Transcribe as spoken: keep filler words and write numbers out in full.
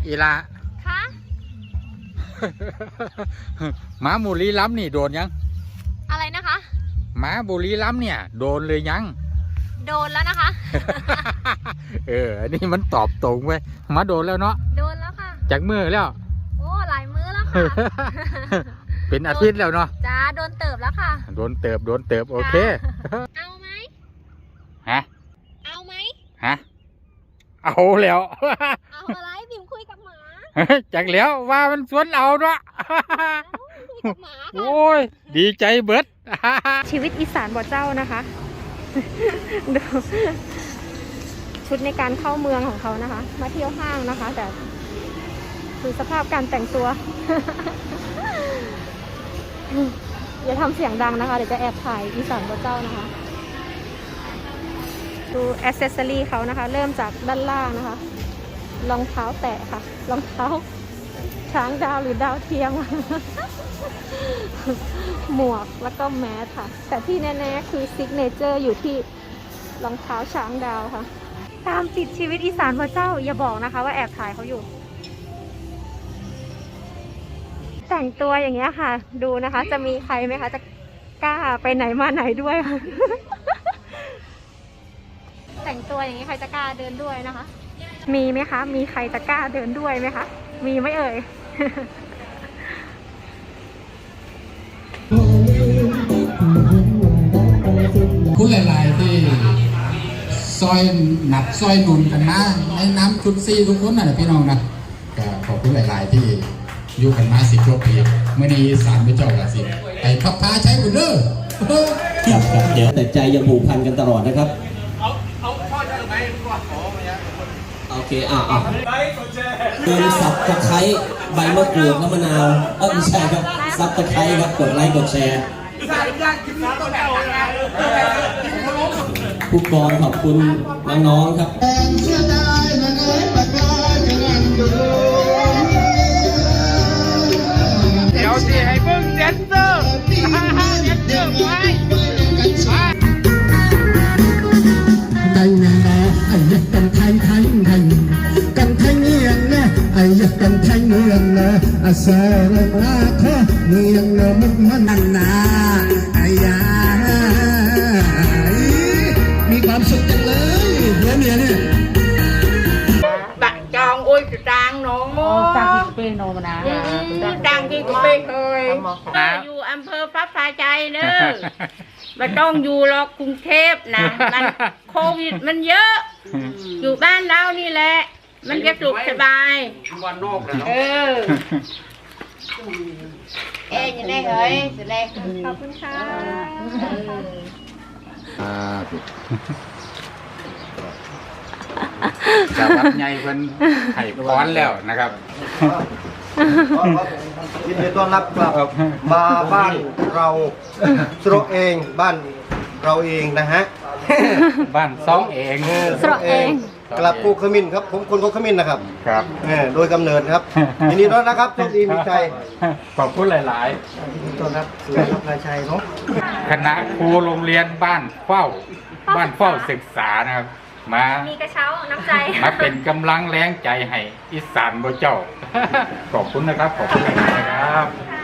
อีลาคะหมาบุรีรัมย์นี่โดนยังอะไรนะคะหมาบุรีรัมย์เนี่ยโดนเลยยังโดนแล้วนะคะเอออันนี้มันตอบตรงเว้ยมาโดนแล้วเนาะโดนแล้วค่ะจากมือแล้วโอ้หลายมือแล้วค่ะเป็นอาทิตย์แล้วเนาะจ้าโดนเติบแล้วค่ะโดนเติบโดนเติบโอเคเอาไหมฮะเอาไหมฮะเอาแล้วเอาอะไรบิ่มคุยกับหมาจากแล้วว่ามันสวนเอาเนาะโอ้ยดีใจเบิดชีวิตอีสานบ่เจ้านะคะดูชุดในการเข้าเมืองของเขานะคะมาเที่ยวห้างนะคะแต่คือสภาพการแต่งตัว อย่าทำเสียงดังนะคะเดี๋ยวจะแอบถ่ายอีสานบ่เจ้านะคะดูแอคเซสซอรี่เขานะคะเริ่มจากด้านล่างนะคะรองเท้าแตะค่ะรองเท้าช้างดาวหรือดาวเทียม หมวกแล้วก็แมสค่ะแต่ที่แน่ๆคือซิกเนเจอร์อยู่ที่รองเท้าช้างดาวค่ะตามติดชีวิตอีสานพระเจ้าอย่าบอกนะคะว่าแอบถ่ายเขาอยู่แต่งตัวอย่างเงี้ยค่ะดูนะคะจะมีใครไหมคะจะกล้าไปไหนมาไหนด้วย แต่งตัวอย่างนี้ใครจะกล้าเดินด้วยนะคะมีไหมคะมีใครจะกล้าเดินด้วยไหมคะมีไหมเอ่ยคุณหลายๆที่ซอยหนับซอยหนุนกันนะในน้ำชุดซีทุกคนนะพี่น้องนะก็ขอบคุณหลายๆที่อยู่กันมาสิบกว่าปีเมื่อนี้สารพระเจ้ากับสิบไปพับพาใช้บุญเด้อครับครับเดี๋ยวแต่ใจยังผูกพันกันตลอดนะครับเอาเอาพ่อจะไหนก่อนขอมาเนี่ยโอเคอ่ะอ่ะเดินซับตะไคร้ใบมะกรูดน้ำมะนาวเออไม่ใช่ครับซับตะไคร้ครับกดไลค์กดแชร์ผู้กองขอบคุณน้องๆครับเดี๋ยวสิให้เบิ่งแดนเซอร์แดนเซอร์ไว้กันนะไอ้ยักกันไทยไทยไทยกันไทยเมืองนะไอ้ยักกันไทยเมืองนะอาเซอร์ลาเธอเมืองนะมุกมันนันนาไอ้ยามีความสุขจังเลยเมียเมียเนี่ย bạn chọn ôi trang nó trang cái bê nó mà ná trang cái bê thôiอยู่อำเภอฟ้าฟ้าใจเนอะไม่ต้องอยู่หรอกกรุงเทพนะมันโควิดมันเยอะอยู่บ้านเรานี่แหละมันจะสุขสบายวันนอกเลยเนาะเออเอ๊ยยังไงเฮ้ยจะได้ขอบคุณค่ะสวัสดีใหญ่เพิ่นให้พรแล้วนะครับยินดีต้อนรับกลับมาบ้านเราสโรเองบ้านเราเองนะฮะบ้านซองเองสโรเองกลับกูขมิ้นครับผมคนกูขมิ้นนะครับครับโดยกำเนิดครับยินดีต้อนรับครับโชคดีมีชัยขอบคุณหลายๆต้อนรับสู่นายชัยเนาะคณะครูโรงเรียนบ้านเฝ้าบ้านเฝ้าศึกษานะครับมามีกระเช้าน้ำใจมาเป็นกำลังแรงใจให้อีสานบ่เจ้าขอบคุณนะครับขอบคุณนะครับ